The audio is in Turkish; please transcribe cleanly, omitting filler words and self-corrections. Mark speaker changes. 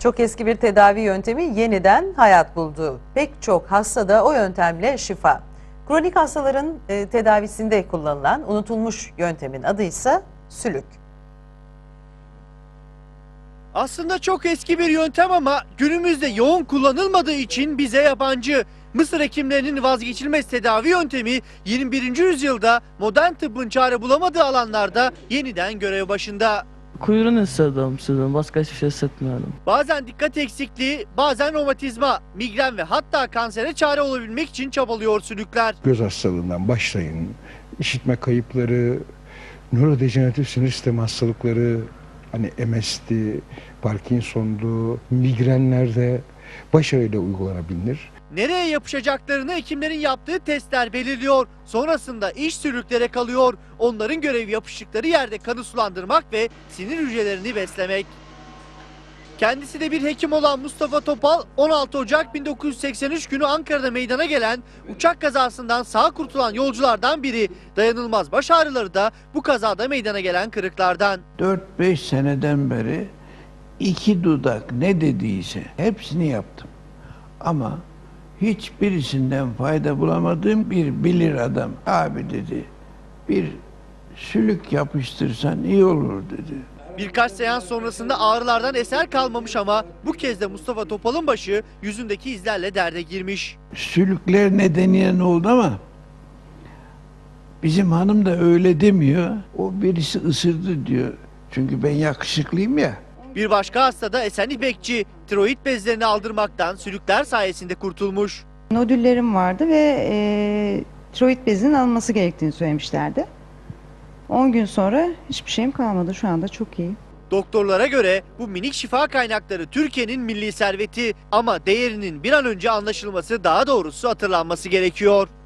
Speaker 1: Çok eski bir tedavi yöntemi yeniden hayat buldu. Pek çok hastada o yöntemle şifa. Kronik hastaların tedavisinde kullanılan unutulmuş yöntemin adı ise sülük.
Speaker 2: Aslında çok eski bir yöntem ama günümüzde yoğun kullanılmadığı için bize yabancı. Mısır hekimlerinin vazgeçilmez tedavi yöntemi 21. yüzyılda modern tıbbın çare bulamadığı alanlarda yeniden görev başında.
Speaker 3: Kuyruğunu hissediyorum, başka hiçbir şey hissetmiyorum.
Speaker 2: Bazen dikkat eksikliği, bazen romatizma, migren ve hatta kansere çare olabilmek için çabalıyor sülükler.
Speaker 4: Göz hastalığından başlayın, işitme kayıpları, nörodejeneratif sinir sistemi hastalıkları, hani MS'di, Parkinson'du, migrenlerde başarıyla uygulanabilir.
Speaker 2: Nereye yapışacaklarını hekimlerin yaptığı testler belirliyor. Sonrasında iş sülüklere kalıyor. Onların görevi yapıştıkları yerde kanı sulandırmak ve sinir hücrelerini beslemek. Kendisi de bir hekim olan Mustafa Topal, 16 Ocak 1983 günü Ankara'da meydana gelen uçak kazasından sağ kurtulan yolculardan biri. Dayanılmaz baş ağrıları da bu kazada meydana gelen kırıklardan.
Speaker 5: 4-5 seneden beri 2 dudak ne dediyse hepsini yaptım. Ama hiçbirisinden fayda bulamadığım bir bilir adam. Abi dedi, bir sülük yapıştırsan iyi olur dedi.
Speaker 2: Birkaç seans sonrasında ağrılardan eser kalmamış ama bu kez de Mustafa Topal'ın başı yüzündeki izlerle derde girmiş.
Speaker 5: Sülükler nedeniyle ne oldu ama bizim hanım da öyle demiyor. O birisi ısırdı diyor. Çünkü ben yakışıklıyım ya.
Speaker 2: Bir başka hasta da Esen İpekçi, tiroid bezlerini aldırmaktan sülükler sayesinde kurtulmuş.
Speaker 6: Nodüllerim vardı ve tiroid bezinin alınması gerektiğini söylemişlerdi. 10 gün sonra hiçbir şeyim kalmadı. Şu anda çok iyi.
Speaker 2: Doktorlara göre bu minik şifa kaynakları Türkiye'nin milli serveti ama değerinin bir an önce anlaşılması, daha doğrusu hatırlanması gerekiyor.